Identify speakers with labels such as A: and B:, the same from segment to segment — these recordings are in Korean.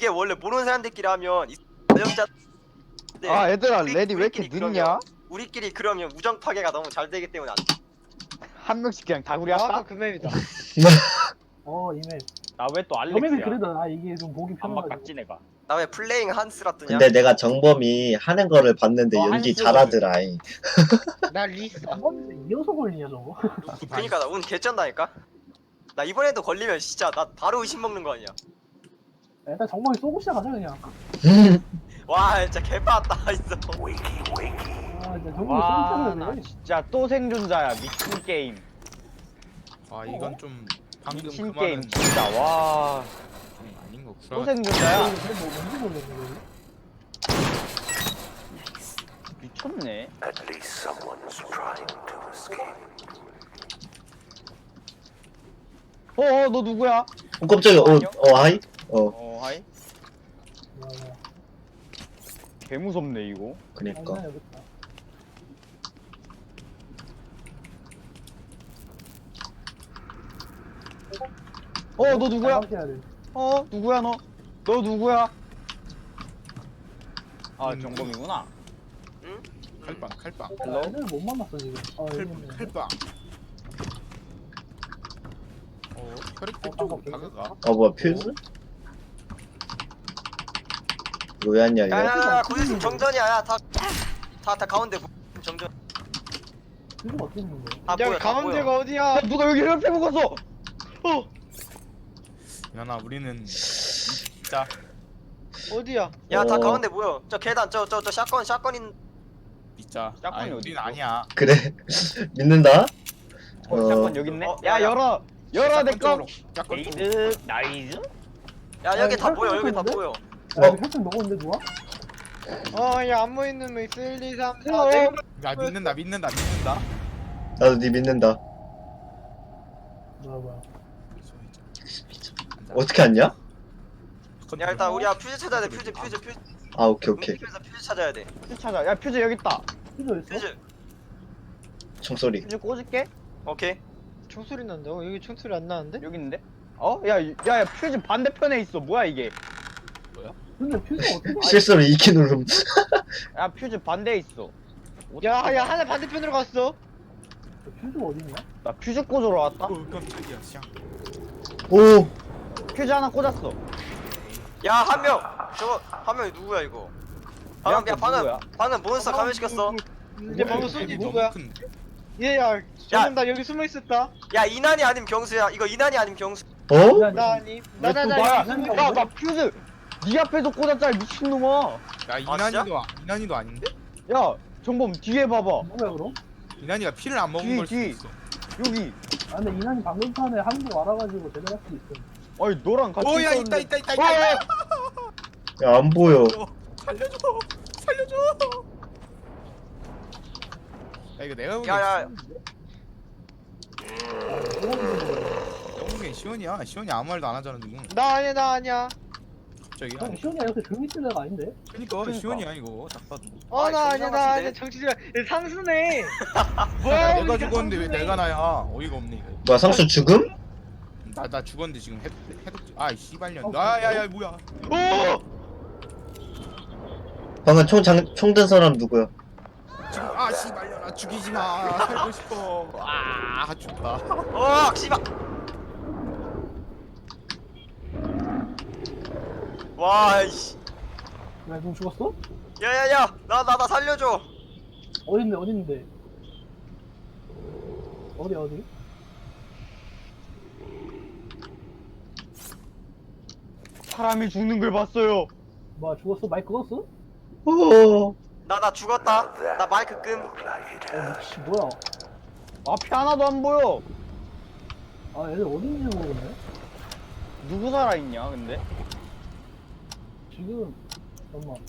A: 이게 원래 모르는 사람들끼리 하면 전형자.
B: 아 얘들아 레디 왜 이렇게 늦냐?
A: 우리끼리 그러면 우정 파괴가 너무 잘 되기 때문에 안 돼.
B: 한 명씩 그냥 다구리
C: 아까
B: 할까?
C: 그 맵이다.
D: 이맵.
B: 나 왜 또
D: 저 맵이
B: 알렉스야?
D: 그래도 나 이게 좀 보기
B: 안막
D: 편해가지고.
B: 깍지 내가.
A: 나 왜 플레잉 한스라 뜨냐?
E: 근데 내가 정범이 하는 거를 봤는데 연기
B: 한스거든.
E: 잘하더라잉.
C: 나 리스.
D: 이어서 걸리냐 저거?
A: 그니까 나 운 개쩐다니까? 나 이번에도 걸리면 진짜 나 바로 의심 먹는 거 아니야.
D: 일단 정방이 쏘고 시작하자 그냥.
A: 와 진짜 개빠았다 있어.
D: 진짜 정방이 쏘고
B: 와, 나
D: 시작하네.
B: 진짜 또 생존자야 미친 게임.
F: 아 이건 좀 방금 그
B: 미친 게임
F: 말은
B: 진짜 와.
F: 좀 아닌 거
B: 또
F: 구라.
B: 생존자야.
D: 뭐 뭔지 모르겠네.
B: 미쳤네.
G: At least someone's trying to escape.
B: 너 누구야?
E: 깜짝이야. 하이?
B: 하이. 개 무섭네 이거.
E: 그니까.
D: 여기 있다.
B: 너 누구야?
D: 해야 돼.
B: 누구야 너? 너 누구야? 아 정범이구나.
A: 응?
F: 칼빵 칼빵
B: 헬로?
D: 애들 못 만났어 지금. 여기 있네.
F: 칼빵. 혈액팩 쪽으로 다가가.
E: 뭐야 퓨즈? 왜 왔냐 얘?
A: 야야야 고지심 정전이야. 다 가운데 정전.
D: 이거 어떻게 있는 거야?
A: 다 보여.
C: 여기
A: 다
C: 가운데가
A: 보여.
C: 어디야?
B: 누가 여기 혈팩 먹었어?
F: 야나 우리는 진짜
C: 어디야?
A: 야다
E: 어.
A: 가운데 모여. 저 계단 저 샷건인.
F: 진짜.
B: 짝꿍이
F: 아니
B: 어디
F: 우린
B: 있어?
F: 아니야.
E: 그래 믿는다?
B: 샷건 여기 있네.
A: 어,
B: 야
A: 야,
B: 열어 내 거.
F: 짝꿍 쪽으로.
B: 에이드 나이즈.
A: 야 여기 다
D: 혈액
A: 보여. 여기 다
D: 쳤는데?
A: 보여.
D: 야 이거 혈액 먹었는데 누가?
C: 야 안무 있는 거 있어. 1, 2, 3, 4,
B: 어.
C: 5.
F: 야 믿는다.
E: 나도 니 믿는다.
D: 뭐야.
E: 어떻게 왔냐?
A: 야 일단 우리야 퓨즈 찾아야 돼. 퓨즈.
E: 아 오케이.
A: 움직이면서 퓨즈 찾아야 돼.
B: 퓨즈 찾아. 야 퓨즈 여기 있다.
D: 필요 있어?
A: 퓨즈.
E: 총소리.
B: 퓨즈 꽂을게.
A: 오케이.
C: 총소리 난다. 여기 총소리 안 나는데?
B: 여기 있는데? 야 퓨즈 반대편에 있어. 뭐야 이게?
D: 근데 퓨즈 어떻게?
E: 실수로 이키 누름.
B: 야 퓨즈 반대에 있어.
C: 야 하나 반대편으로 갔어.
D: 퓨즈가 어딨냐?
B: 나 퓨즈 꽂으러 왔다.
F: 깜짝이야. 샹.
E: 오.
B: 퓨즈 하나 꽂았어.
A: 야 한 명. 저거 한 명이 누구야 이거?
B: 야,
A: 방금
B: 누구야?
A: 방금 몬스터 감염시켰어.
C: 이제 방금 쏜지 누구야?
F: 큰데?
C: 얘야 저놈 나 여기 숨어 있었다.
A: 야 이난이 아니면 경수야. 이거 이난이 아니면 경수.
E: 어?
C: 나 아니.
B: 왜 또 나야?
C: 나나나 여기 숨어 있어.
B: 나 퓨즈 네 앞에서 꽂았잖아 미친놈아.
F: 야 이난이도 아닌데?
B: 야 정범 뒤에 봐봐.
D: 뭐야 그럼?
F: 이난이가 피를 안 먹은 걸 수도
B: 뒤.
F: 있어.
B: 여기.
D: 근데 이난이 방금 전에 한국 와가지고 제대로 할 수도 있어.
B: 아니 너랑 같이
F: 오야
B: 있었는데.
F: 있다.
E: 야 안 보여.
F: 살려줘. 야 이거 내가 보기엔
A: 야야.
F: 내가 보기엔 시원이 아무 말도 안 하잖아 지금.
C: 나 아니야.
F: 갑자기.
D: 형 시원이가 이렇게 조용히 있을 애가 아닌데?
F: 그러니까 시원이야 이거 딱 봐도.
A: 아,
C: 나
A: 정상
C: 아니야.
A: 같은데?
C: 정치자 상수네.
F: 야,
C: 뭐야?
F: 내가
C: 우리가
F: 죽었는데 왜
C: 상수네.
F: 내가 나야? 어이가 없네 이거.
E: 뭐야 상수 죽음?
F: 나 죽었는데 지금 해독. 아 씨발년. 야야야 뭐야?
C: 오!
E: 방금 총 든 사람 누구야?
F: 지금 씨발년아 죽이지 마. 살고 싶어. 죽다.
A: 씨발. 와 이씨.
D: 야, 너 죽었어?
A: 야야야. 나 살려줘.
D: 어딘데? 어디?
B: 사람이 죽는 걸 봤어요.
D: 뭐야 죽었어? 마이크 껐어?
E: 오.
A: 나 죽었다. 나 마이크 끔.
D: 미치 뭐야?
B: 앞이 하나도 안 보여.
D: 애들 어디 있는지 모르겠네.
B: 누구 살아있냐 근데?
D: 지금 잠깐만.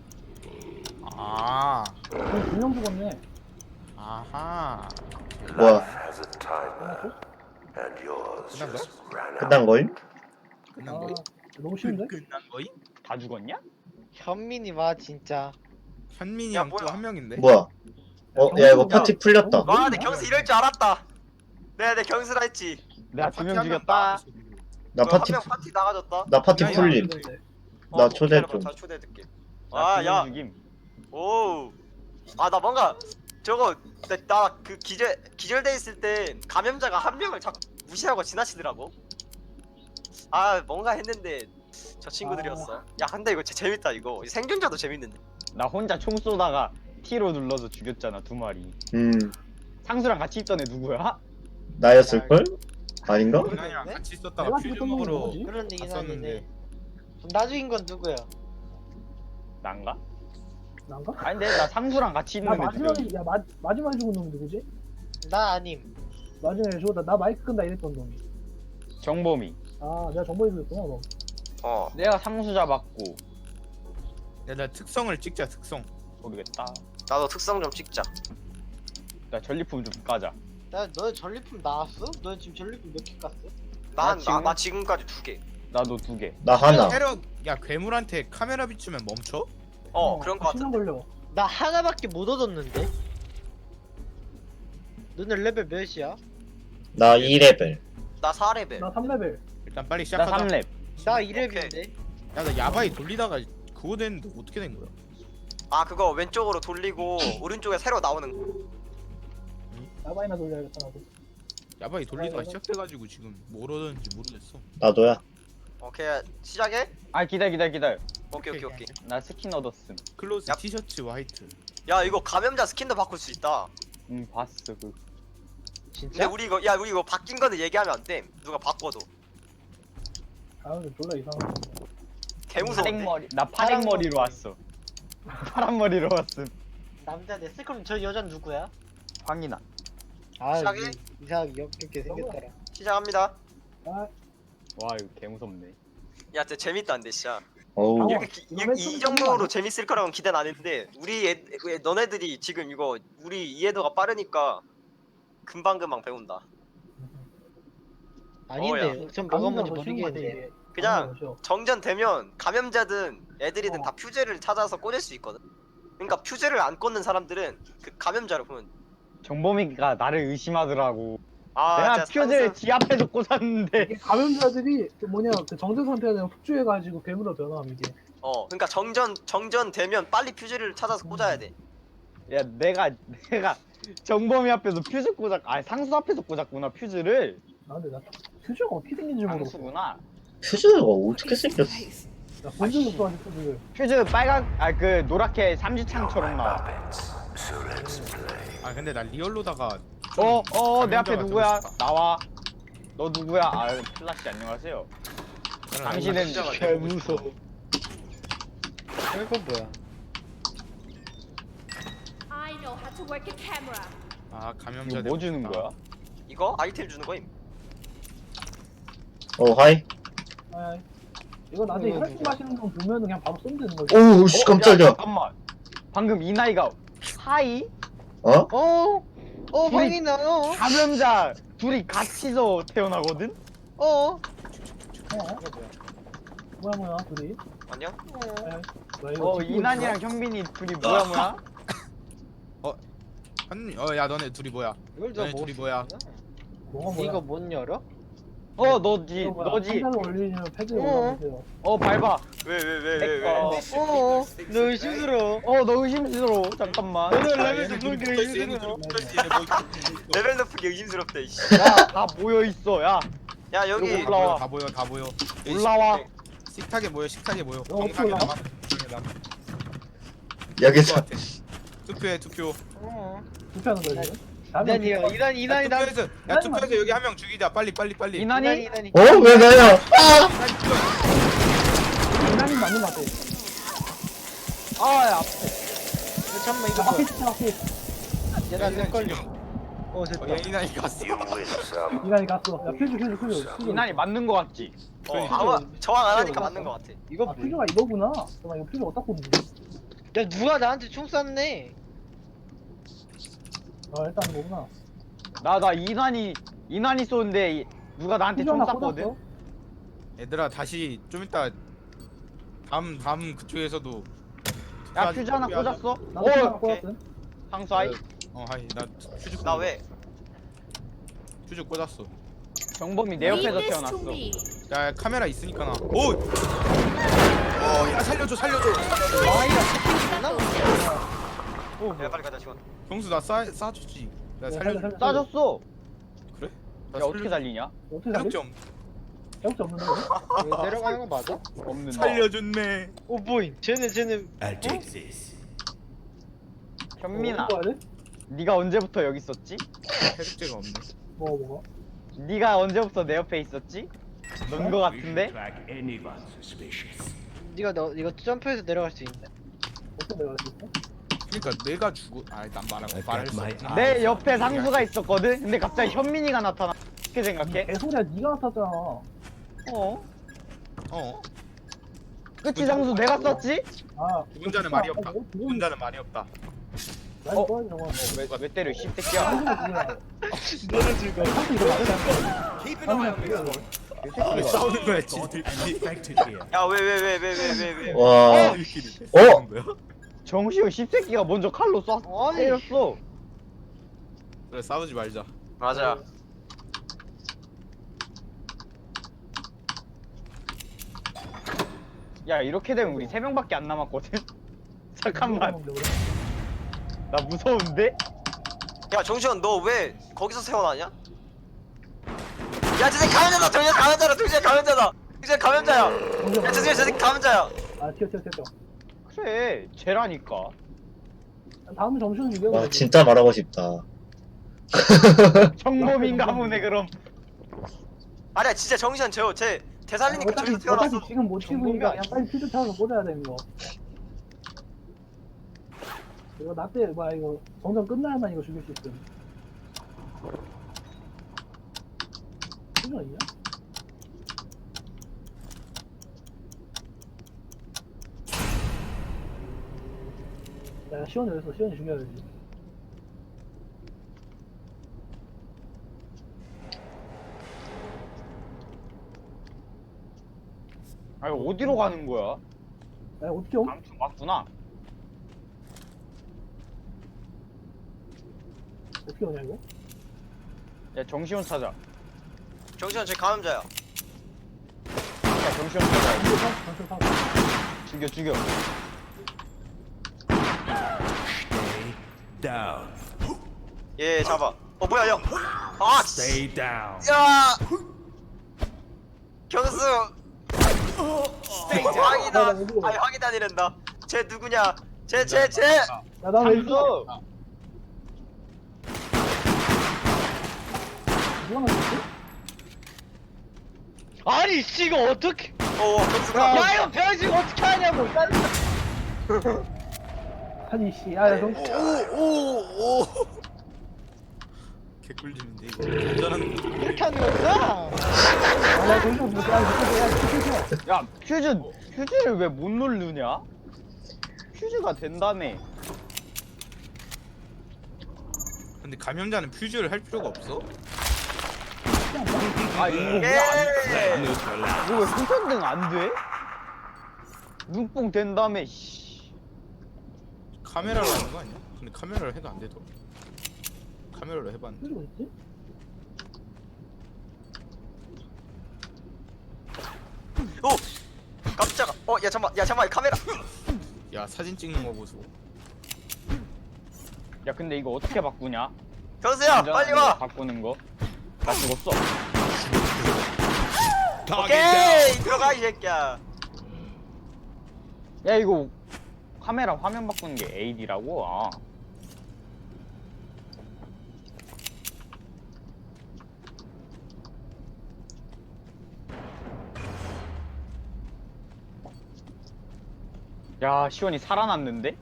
F: 아.
D: 두명 죽었네.
F: 아하.
E: 뭐야?
G: Has a timer, and yours
F: 끝난
G: just ran out.
E: 끝난 거임?
F: 끝난 거임?
D: 너무 쉬운데?
F: 끝난 거임?
B: 다 죽었냐?
C: 현민이 와 진짜.
F: 현민이
A: 야,
F: 형 또
A: 뭐야?
F: 한 명인데?
E: 뭐야? 야 이거 파티 풀렸다.
A: 와, 내 경수 이럴 줄 알았다. 내 경수라 했지.
B: 내가 두 명
F: 파티 한명
B: 죽였다.
F: 나가서
E: 나 파티
A: 한 명 파티 나가졌다.
E: 나 파티
F: 야, 야.
E: 풀림. 나 초대
A: 기다려봐,
E: 좀.
A: 다 초대해줄게.
B: 나
A: 아야
B: 죽임.
A: 오. 아 나 뭔가 저거 나 그 기절돼 있을 때 감염자가 한 명을 자꾸 무시하고 지나치더라고. 아 뭔가 했는데 저 친구들이었어. 야 근데 이거 진짜 재밌다 이거. 생존자도 재밌는데.
B: 나 혼자 총 쏘다가 T로 눌러서 죽였잖아 2마리. 상수랑 같이 있던 애 누구야?
E: 나였을걸? 아닌가?
F: 이난이랑 같이 있었다가
D: 내가
F: 퓨즈
D: 죽였던 놈은
F: 먹으러
D: 누구지?
C: 그런 얘기는
F: 갔었는데
C: 하는데 그럼 나 죽인 건 누구야?
B: 난가?
D: 난가?
B: 아니 근데 나 상수랑 같이
D: 나
B: 있는 애
D: 마지막에
B: 죽였는데.
D: 마지막에 죽은 놈이 누구지?
C: 나 아님.
D: 마지막에 죽었다. 나 마이크 끈다 이랬던 놈이.
B: 정범이.
D: 아 내가 정보에 죽였구나 너.
A: 어.
B: 내가 상수 잡았고.
F: 나 특성을 찍자 특성.
B: 모르겠다.
A: 나도 특성 좀 찍자.
B: 나 전리품 좀 까자.
C: 너 전리품 나왔어? 너 지금 전리품 몇 개 깠어?
A: 나 지금까지 2개.
B: 나도 2개.
E: 나 하나.
F: 야 괴물한테 카메라 비추면 멈춰?
A: 그런 거
D: 시간
A: 같은데.
D: 걸려.
C: 나 하나밖에 못 얻었는데. 너는 레벨 몇이야?
E: 나 2레벨.
A: 나 4레벨.
D: 나 3레벨.
F: 일단 빨리
B: 나
F: 시작하자.
B: 3렙.
C: 나 2레벨인데.
F: 야 나 야바이 돌리다가 그거 됐는데 어떻게 된 거야?
A: 아 그거 왼쪽으로 돌리고 오른쪽에 새로 나오는 거.
D: 나바이나 돌려야겠다 나도.
F: 야바이 돌리다가 시작돼가지고 지금 뭘 얻었는지 모르겠어.
E: 나도야.
A: 오케이 시작해?
B: 아 기다려.
A: 오케이.
B: 나 스킨 얻었음.
F: 클로즈
A: 야.
F: 티셔츠 화이트.
A: 야 이거 감염자 스킨도 바꿀 수 있다.
B: 봤어 그.
A: 근데
C: 진짜?
A: 우리 이거 바뀐 거는 얘기하면 안 돼. 누가 바꿔도.
D: 아 근데 졸라 이상하다.
A: 개무서운데.
B: 파랭머리. 나 파랭머리로 왔어. 파란 머리로 왔음.
C: 남자네. 그럼 저 여자 누구야?
B: 황이나.
C: 아
A: 시작해?
C: 이상하게 역겹게 생겼다.
A: 시작합니다.
D: 아
B: 와 이거 개 무섭네.
A: 야 진짜 재밌다 근데 진짜.
E: 어우.
A: 이렇게 이 정도로 재밌을 거라고는 기대는 안 했는데 너네들이 지금 이거 우리 이해도가 빠르니까 금방 배운다.
C: 아닌데. 전 뭐가 먼저 모르겠는데.
A: 그냥 정전 되면 감염자든 애들이든 다 퓨즈를 찾아서 꽂을 수 있거든. 그러니까 퓨즈를 안 꽂는 사람들은 그 감염자를 보면
B: 정범이가 나를 의심하더라고.
A: 아
B: 내가
A: 진짜
B: 퓨즈를 지 앞에서 꽂았는데.
D: 이게 감염자들이 그 뭐냐 그 정전 상태가 되면 폭주해가지고 괴물로 변함 이게.
A: 그러니까 정전 되면 빨리 퓨즈를 찾아서 꽂아야 돼.
B: 야 내가 정범이 앞에서 퓨즈 아니 상수 앞에서 꽂았구나 퓨즈를.
D: 아 근데 나 퓨즈가 어떻게 생긴지 모르겠어.
B: 상수구나.
E: 퓨즈가 어떻게 생겼어?
D: 나본 적이 없어 아직 퓨즈를.
B: 퓨즈 빨간 그 노랗게 삼지창처럼 나와.
G: Puppets, so let's play.
F: 아 근데 나 리얼로다가
B: 내 앞에
F: 감염자가
B: 누구야?
F: 되고 싶다.
B: 나와. 너 누구야? 아 플라시 안녕하세요.
F: 나는
B: 당신은
F: 감염자가 되고 싶어.
C: 이건 뭐야?
H: I know how to work a camera.
F: 아 감염자
B: 이거
F: 되고
B: 뭐 주는
F: 싶다.
B: 거야?
A: 이거 아이템 주는 거임.
E: 하이.
D: 아 이거 나중에 혈액 마시는 거 보면은 그냥 바로 쏘면 되는 거지.
E: 오우 씨
B: 야,
E: 깜짝이야.
B: 잠깐만. 방금 이 나이가 하이?
E: 어?
C: 황이나.
B: 감염자 둘이 같이서 태어나거든?
D: 어? 뭐야 둘이?
A: 안녕?
D: 뭐야, 이거 찍고
B: 이난이랑 현빈이 둘이 뭐야?
F: 야 너네 둘이 뭐야?
C: 이걸
F: 너네 둘이 뭐야?
D: 뭐가 뭐야?
C: 이거 못 열어?
B: 너지.
D: 한달 올리면 패드
C: 어.
D: 올라가세요.
B: 밟아.
A: 왜?
C: 너 의심스러워.
B: 너 의심스러워. 잠깐만.
C: 너는
F: 야,
C: 레벨
F: 얘네
C: 좀
F: 둘이
C: 보게
F: 붙어있어, 얘네
C: 의심스러워.
F: 둘이 붙어있어, 얘네 뭐 있어, 뭐 있어.
A: 레벨 높은 게 의심스럽다 이씨.
B: 다 모여 있어. 야,
A: 야 여기
B: 이거 올라와.
F: 다 보여.
B: 올라와.
F: 식탁에 모여. 식탁에 모여.
D: 어떻게
F: 정상에
D: 올라와?
F: 남아. 정상에 남아.
E: 여기서
F: 같아. 투표해 투표.
D: 불편한 거야 지금?
C: 이난이야. 이난이 나.
F: 야 투표해서 여기 한 명 죽이자. 빨리.
B: 이난이?
C: 이난이.
E: 왜 나야?
D: 이난이 맞는 거 같아.
B: 야.
C: 잠깐만 이거
D: 앞에
C: 뭐야?
D: 있어 앞에.
C: 얘나 내 걸려. 됐다.
F: 이난이 갔어.
G: You win some.
D: 이난이 갔어. 야 퓨즈.
B: 이난이 맞는 거 같지?
A: 아마 저항 안 하니까 맞는 거 같아.
C: 이거
D: 아
C: 뭐야?
D: 퓨즈가 이거구나. 잠깐만 이거 퓨즈 어디다 꽂는 거야?
C: 야 누가 나한테 총 쐈네?
D: 아 일단 이거구나.
B: 나 이난이 쏘는데 누가 나한테
D: 퓨즈
B: 총
D: 하나
B: 쐈거든?
D: 꽂았어.
F: 얘들아 다시 좀 이따 다음 그쪽에서도
B: 야, 퓨즈 하나 꽂았어?
D: 나도 퓨즈 하나
A: 오케이.
D: 꽂았음.
B: 상수 하이?
F: 하이 나 퓨즈
A: 나 왜?
F: 퓨즈 꽂았어.
B: 정범이 내 옆에서
H: Leave this
B: 태어났어.
H: to me.
F: 야 카메라 있으니까 나. 오! 살려줘.
A: 야 빨리 가자 지금.
F: 경수 나 싸줬지. 나 살려줘.
B: 싸졌어.
F: 그래? 나
B: 야 어떻게 살리냐?
D: 어떻게 살지?
F: 점
D: 해독제 없는데?
C: 이거 내려가는 거 맞아?
B: 없는데.
F: 살려줬네.
C: 오 보인. 쟤는
G: I'll take this.
B: 현민아,
D: 뭐 해야 돼?
B: 네가 언제부터 여기 있었지?
F: 해독제가 없네.
D: 뭐가?
B: 네가 언제부터 내 옆에 있었지? 넌 거
G: We
B: 같은데?
G: should track anyone suspicious.
C: 네가 너 이거 점프해서 내려갈 수 있는데.
D: 어떻게 내가 할수 있어?
F: 그러니까 내가 죽어. 난 말할 수 없지.
B: 내 옆에 상수가 있었거든? 근데 갑자기 현민이가 나타나. 어떻게 생각해?
D: 개소리야, 네가 나탔잖아.
B: 어?
F: 어.
B: 그치 상수 내가 썼지?
D: 아,
F: 혼자는 말이 없다. 혼자는 말이 없다.
D: 나
B: 어?
D: 이거 저거
B: 왜 때려 이 씹새끼야.
C: 너는 즐거워.
D: 상수 이거 맞아.
F: 왜 싸우는 거야 지들끼리?
G: Infected here.
A: 야 왜.
E: 와.
F: 지들끼리
E: 어?
F: 싸우는 거야?
B: 정시호 씹새끼가 먼저 칼로 쏴
C: 아니.
B: 때렸어.
F: 그래 싸우지 말자.
A: 맞아.
B: 야 이렇게 되면 우리 3명밖에 안 남았거든? 잠깐만 나 무서운데?
A: 야 정시현 너 왜 거기서 세워놨냐? 야 저 새끼 감염자다. 정시현 감염자다. 정시현 감염자다. 정시현 감염자야. 야 정시현 저 새끼 감염자야.
D: 아, 튀어.
B: 그래 쟤라니까.
D: 다음 점수는 이겨.
E: 와 진짜 말하고 싶다.
B: 정범인가 보네 그럼.
A: 아니야 진짜 정시현 쟤 대살리니까 저기서 태어났어.
D: 어차피 지금 못 찍으니까 그냥 빨리 퓨즈 찾아서 꽂아야 되는 거. 이거 나 때 뭐야 이거 정전 끝나야만 이거 죽일 수 있음. 퓨즈 있냐? 야 시원이 어딨어? 시원이 죽여야지.
B: 아니 어디로 가는 거야?
D: 야 어떻게 옴?
B: 아무튼 맞구나.
D: 어떻게 오냐 이거?
B: 야 정시훈 찾아.
A: 정시현 쟤 감염자야.
B: 야 정시훈 찾아.
D: 전술 사고.
B: 죽여.
G: Stay down.
A: 얘 잡아. 어 뭐야 형. 아 씨.
G: Stay down.
A: 야. 경수. 황이다. 아니 황이다 이란다. 쟤 누구냐? 쟤.
D: 야나왜 있어?
B: 상수.
D: 누가 맞췄지?
C: 아니 씨 이거 어떻게?
A: 경수가.
C: 야 이거 변신 어떻게 하냐고.
D: 아니 씨, 야 정.
F: 오. 개꿀잼인데 이거. 운전하는 거.
C: 이렇게 하는 거구나.
D: 아나 정신 못 야,
B: 야 퓨즈를 왜 못 누르냐? 퓨즈가 된다며.
F: 근데 감염자는 퓨즈를 할 필요가 없어?
B: 아 이거
A: 예.
B: 이거 왜 후전등 안 돼? 눈뽕 된다며 씨.
F: 카메라로 하는 거 아니야? 근데 카메라로 해도 안 되더라. 카메라로 해봤는데.
D: 퓨즈가 있지?
A: 오. 깜짝아. 야 잠깐만 카메라.
F: 야 사진 찍는 거 보소.
B: 야 근데 이거 어떻게 바꾸냐?
A: 경수야 빨리 와.
B: 바꾸는 거. 나 죽었어.
A: 오케이 들어가 이 새끼야.
B: 야 이거 카메라 화면 바꾸는 게 AD라고? 아. 야 시원이 살아났는데?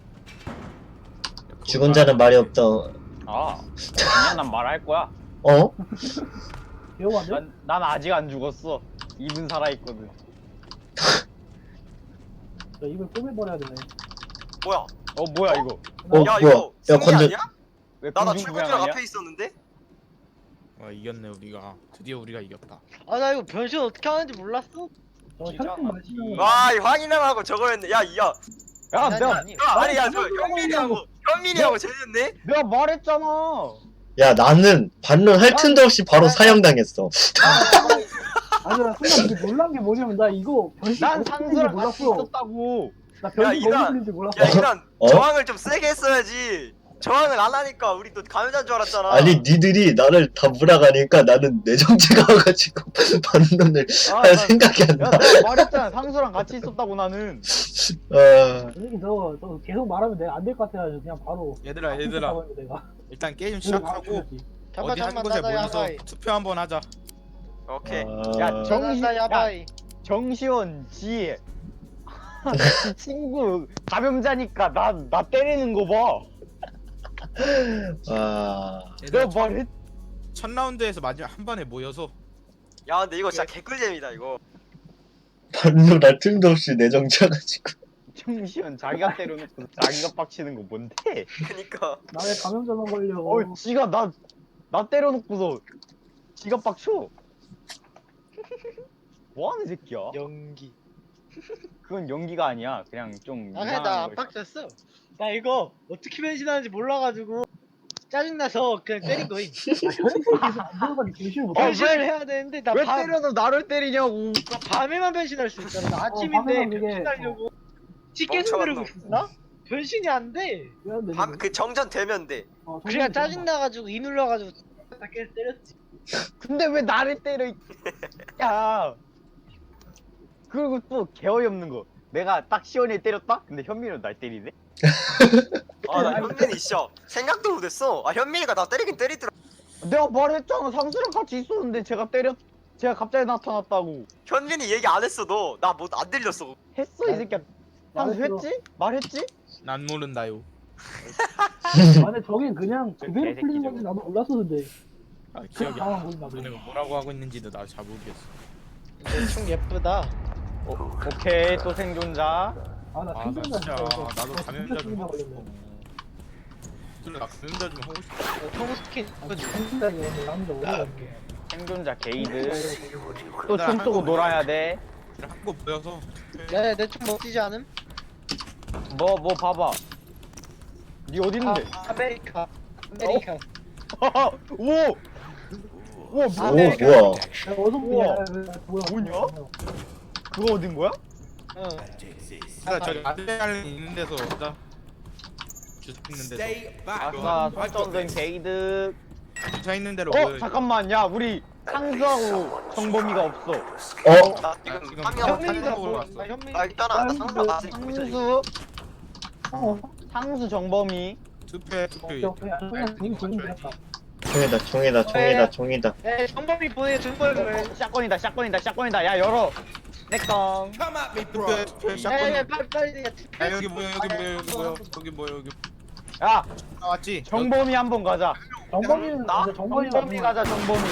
E: 죽은 자는 말이 없다.
B: 아 아니야 난 말할 거야.
E: 어?
D: 기억 안 돼?
B: 난 아직 안 죽었어. 입은 살아있거든.
D: 야 이걸 꼬매버려야 되네.
A: 뭐야?
B: 어 뭐야 이거?
A: 야
E: 뭐야?
A: 이거
E: 야,
A: 승리
E: 건져-
A: 아니야?
B: 왜
A: 나
B: 공중부양
A: 출근이랑
B: 아니야?
A: 앞에 있었는데?
F: 와 이겼네 우리가. 드디어 우리가 이겼다.
C: 아 나 이거 변신 어떻게 하는지 몰랐어.
D: 저
B: 진짜
D: 혈액 마시는 거.
A: 와 이 황인영하고 저거였네. 야
B: 야 내가
A: 아니야 저 현민이하고 쟤였네?
B: 내가 말했잖아.
E: 야 나는 반론할 틈도 없이 바로 사형당했어.
D: 아니 나 순간 되게 놀란 게 뭐냐면 나 이거 변신
B: 난
D: 거북이
B: 상수랑 같이
D: 몰랐어.
B: 있었다고.
D: 나
A: 야,
D: 변신
A: 이난-
D: 거북이인지 몰랐어.
A: 야 이난
E: 어?
A: 저항을 좀 세게 했어야지. 저항을 안 하니까 우리 또 감염자인 줄 알았잖아.
E: 아니 니들이 나를 다 몰아가니까 나는 내정체가 와가지고 반론을
B: 아,
E: 할 생각이 안
B: 야,
E: 나.
B: 내가 말했잖아. 상수랑 같이 있었다고 나는.
E: 아,
D: 솔직히 너 계속 말하면 내가 안 될 것 같아가지고 그냥 바로
F: 얘들아 내가 일단 게임
D: 바로
F: 시작하고
D: 죽였지.
F: 어디 한 곳에 모여서 투표 한번 하자.
A: 오케이.
B: 야, 정시,
C: 나 야바이.
B: 정시원 지. 지 친구 감염자니까 나 때리는 거 봐.
E: 아,
F: 얘들아
B: 내가 말했.
F: 첫 라운드에서 마지막 한 번에 모여서
A: 야 근데 이거 진짜 개꿀잼이다 이거.
E: 반론할 틈도 없이 내정체가지고.
B: 정시원 자기가 때려놓고 자기가 빡치는 거 뭔데?
A: 그니까.
D: 나 왜 감염자만 걸려?
B: 지가 나 때려놓고서 지가 빡쳐. 뭐하는 새끼야?
C: 연기.
B: 그건 연기가 아니야. 그냥 좀
C: 아 그냥
B: 이상한
C: 나안
B: 거.
C: 빡쳤어. 나 이거 어떻게 변신하는지 몰라가지고 짜증나서 그냥 때린 거임.
D: 현실이 계속 안 들어가니 변신을 못해.
C: 변신을 해야 되는데 나
B: 왜
C: 밤,
B: 때려도 나를 때리냐고.
C: 나 밤에만 변신할 수 있잖아. 나 아침인데
D: 밤에만 그게-
C: 변신하려고 계속
A: 멍청한
C: 누르고 있나? 변신이 안 돼.
A: 밤 그 정전 되면 돼.
C: 그냥 짜증나가지고 이 눌러가지고 다 계속 때렸지.
B: 근데 왜 나를 때려? 야. 그리고 또 개어이없는 거. 내가 딱 시원히 때렸다? 근데 현민은 날 때리네?
A: 아나 현민이 진짜 생각도 못했어. 아 현민이가 나 때리긴 때리더라.
B: 내가 말했잖아. 상수랑 같이 있었는데 제가 갑자기 나타났다고.
A: 현민이 얘기 안 했어 너. 나 뭐 안 들렸어.
B: 했어 이 새끼야. 상수 했지? 말했지?
F: 난 모른다요.
D: 안에 저긴 그냥 그대로
B: 개새끼
D: 풀리는
B: 저거.
D: 건지 나도 몰랐었는데.
F: 아
D: 그냥
F: 기억이 안
D: 당황한
F: 나.
D: 거지 나도.
F: 너네가 뭐라고 하고 있는지도 나 잘 모르겠어.
C: 근데 총 예쁘다.
B: 오케이 또 생존자.
D: 아나
F: 아 나
D: 생존자
F: 진짜
D: 이거.
F: 나도
D: 나
F: 감염자
D: 진짜
F: 좀 하고
D: 걸렸네.
F: 싶어. 둘 나 감염자 좀 하고 싶어.
C: 총 스킨.
D: 아, 생존자 이거 남자 오래됐네.
B: 생존자 게이드.
F: 얘들아,
B: 또 춤 쏘고 놀아야 돼.
F: 한국 모여서
C: 야야 내 총 먹히지 않음?
B: 뭐 봐봐. 니 어딨는데?
C: 아메리카.
B: 오! 오,
E: 오,
B: 뭐,
E: 뭐야.
D: 야, 어서
B: 우와.
D: 뭐야?
B: 뭐냐? 그거 어딘 거야?
C: 응.
F: 나 저기 아드레날린 있는 데서 나 주스 있는 데서
B: 아싸, 설정된 게이드.
F: 주차 있는 데로
B: 잠깐만, 야, 우리 상수하고 정범이가 없어.
E: 어?
A: 나 지금
F: 지금
A: 한 명.
C: 현민이다
F: 보러
C: 뭐?
F: 왔어.
C: 나 현민.
A: 아 일단은 나 상수랑 같이 보자.
B: 상수,
D: 어,
B: 상수 정범이.
F: 투표해
D: 오케이 오케이. 아, 그냥 지금 되겠다.
E: 총이다.
C: 야 정범이 보내 정범이.
B: 샷건이다. 야, 열어. 내꺼.
F: 투표해
C: 야야야
F: 샷건.
C: 빨리.
F: 야 여기 뭐야 여기
B: 야,
F: 나왔지?
B: 정범이 한번 가자.
D: 정범이는
A: 나?
D: 근데 정범이가
B: 정범이 가자, 정범이.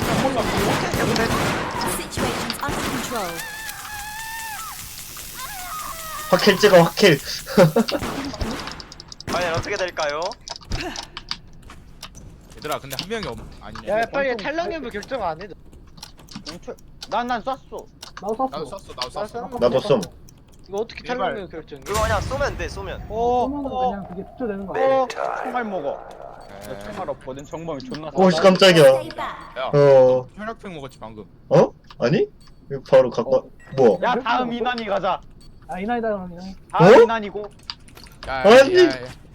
H: Situation's under control.
E: 확킬 찍어, 확킬.
A: 과연 어떻게 될까요?
F: 얘들아 근데 한 명이 아니네.
C: 야 빨리 탈락 여부 결정 안 해.
B: 난 쐈어.
D: 나도
F: 나도
D: 쐈어.
F: 쐈어 나도 쐈어.
E: 나도 쏨.
C: 이거 어떻게
F: 제발.
C: 탈락 여부 결정?
A: 그거 그냥 쏘면 돼 쏘면.
D: 쏘면은 그냥 그게 투표되는 거야.
B: 총알 먹어. 나 총알 없거든. 정범이 존나
E: 오, 씨, 깜짝이야.
H: Stay back.
F: 야
E: 어,
F: 혈액팩 먹었지 방금.
E: 어? 아니? 이거 바로 갖고, 뭐?
B: 야, 다음 이난이 가자.
D: 아 이나이다 이나이.
B: 다음
E: 어?
B: 이난이고.
E: 아니.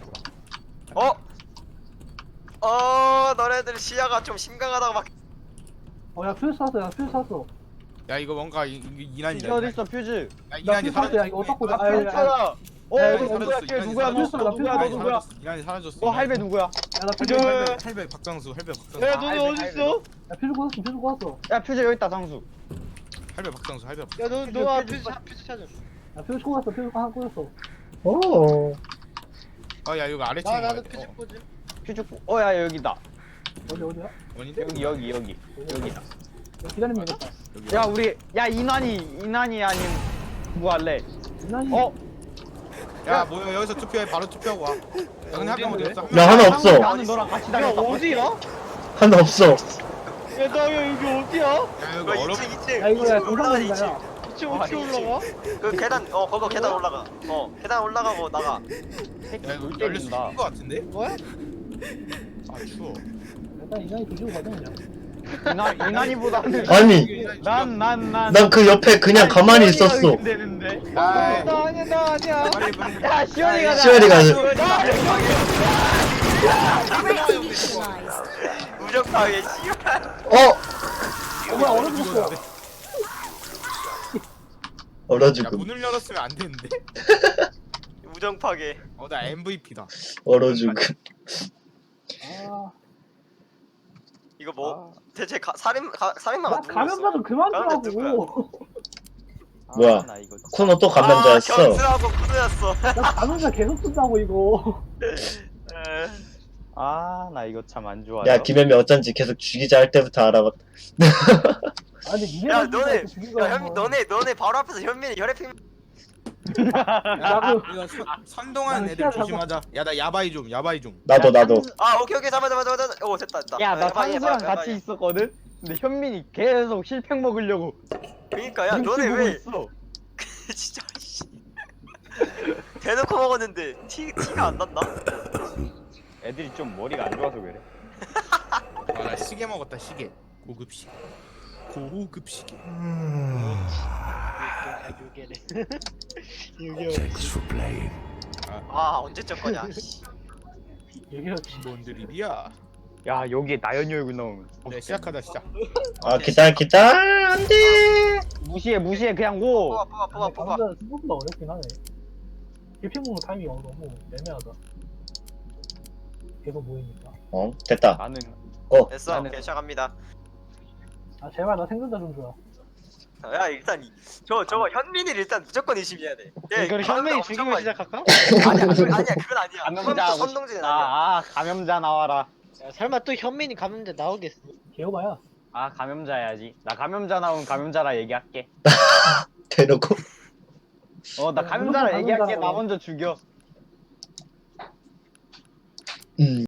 A: 너네들 시야가 좀 심각하다고 막.
D: 어야 퓨즈 쐈어. 야 퓨즈 쐈어.
F: 야 이거 뭔가 이난이다.
B: 퓨즈 어딨어, 퓨즈?
F: 야
D: 나
F: 이난이
D: 퓨즈 쐈어. 야 이거 어떡고? 아
B: 퓨즈 찾아.
F: 야,
B: 이거 누구야? 걔 누구야? 너 누구야?
F: 이난이 사라졌어.
B: 너 할배 누구야?
D: 야나 퓨즈.
F: 할배 박장수 할배 박장수.
C: 야 너네 어딨어?
D: 야 퓨즈 꽂았어.
B: 야, 퓨즈 여기 있다, 상수.
F: 할배 박장수 할배 박장수.
C: 야너너 퓨즈 찾아.
D: 야 퓨즈 꽂았어. 퓨즈 하나 꽂았어.
E: 오.
F: 야 이거 아래 층.
C: 나도 퓨즈 꽂음.
B: 퓨즈, 야, 여기다.
D: 어디야?
F: 원인데?
B: 여기다.
D: 야, 기다리면 되겠다.
F: 여기.
B: 야, 우리, 이난이 아닌, 누구 할래?
D: 이나이.
F: 야 뭐야 여기서 투표해 바로 투표하고 와. 야 근데 한 명 어디 갔어?
E: 야, 하나 없어.
B: 나는 너랑 같이
C: 야
B: 다녔다.
C: 어디야?
E: 하나 없어.
C: 야나 여기 어디야?
F: 야
A: 그거
F: 여기 어렵.
A: 2층
D: 야 이거 야
A: 올라가
D: 정상적이다.
A: 2층.
D: 야.
C: 2층 어떻게 올라가?
A: 그 계단 거기 계단 올라가. 계단 올라가고 나가.
B: 새끼
F: 야 이거
B: 물
F: 열릴 수
B: 때린다.
F: 있는 거 같은데?
C: 뭐야?
F: 아 추워.
D: 일단 이나이 조지고 가자 그냥.
B: 유난히보다는
E: 아니
B: 난
E: 그 옆에 그냥 가만히 있었어.
B: 되는데.
F: 아이,
C: 나 아니야.
F: 빨리 빨리.
B: 야 시원이 가자.
E: 시원이 가자.
H: Red team neutralized.
A: 무적파괴 씨발.
D: 뭐야 얼어 죽었어.
E: 얼어
F: 야
E: 죽음.
F: 문을 열었으면 안 되는데.
A: 무정파괴.
F: 나 MVP다.
E: 얼어 죽음.
D: 아,
A: 이거 뭐 대체 살인마가
D: 나
A: 누구였어?
D: 감염자 좀 그만
A: 감염자
D: 두라고.
E: 뭐야?
B: 나 이거
E: 쿠노 또 감염자였어.
A: 견스하고 쿠노였어.
D: 나 감염자 계속 쓴다고 이거.
B: 나 이거 참 안 좋아요.
E: 야 김현미 어쩐지 계속 죽이자 할 때부터 알아봤다.
D: 아니 니네
A: 야 너네 야 현민 너네 바로 앞에서 현민이 혈액팩
F: 야,
D: 나도-
F: 이거 선동하는
D: 나는
F: 애들
D: 시야를
F: 조심하자. 야 나 야바이 좀.
E: 나도.
A: 아 오케이 잠깐만 오 됐다
B: 야, 나
A: 야바이,
B: 상수랑
A: 야바이,
B: 같이
A: 야바이.
B: 있었거든? 근데 현민이 계속 실팩 먹으려고
A: 그니까 야
B: 눈치
A: 너네
B: 보고
A: 왜
B: 있어.
A: 진짜 씨 대놓고 먹었는데 티가 안 났나?
B: 애들이 좀 머리가 안 좋아서 그래.
F: 나 시계 먹었다 시계. 고급 시계. 고급 시계.
G: Thanks for playing.
A: 아 언제적 거냐 씨.
D: 얘기를
F: 뭔 드립이야?
B: 야, 여기에 나연이 얼굴 나오면.
F: 네 시작하다 시작.
E: 아 기다 안돼.
B: 무시해, 그냥 고!
A: 뽑아
D: 감염자 생각보다 어렵긴 하네. 일핑 먹는 타이밍이 너무 애매하다. 계속 모이니까.
E: 됐다.
B: 나는,
A: 됐어
B: 나는-
A: 오케이 시작합니다
D: 아 제발 나 생존자 좀 줘라.
A: 야 일단 저거 현민이를 일단 무조건 의심해야 돼
C: 이걸 현민이 죽이고 시작할까?
A: 아니야 그건 아니야
B: 감염자,
A: 선동질은 아니야
B: 감염자 나와라.
C: 야, 설마 또 현민이 감는데 나오겠어?
D: 개호바야.
B: 감염자 해야지. 나 감염자 나오면 감염자라 얘기할게.
E: 대놓고.
B: 나 감염자라
D: 무조건
B: 얘기할게.
D: 감염자라고.
B: 나 먼저 죽여.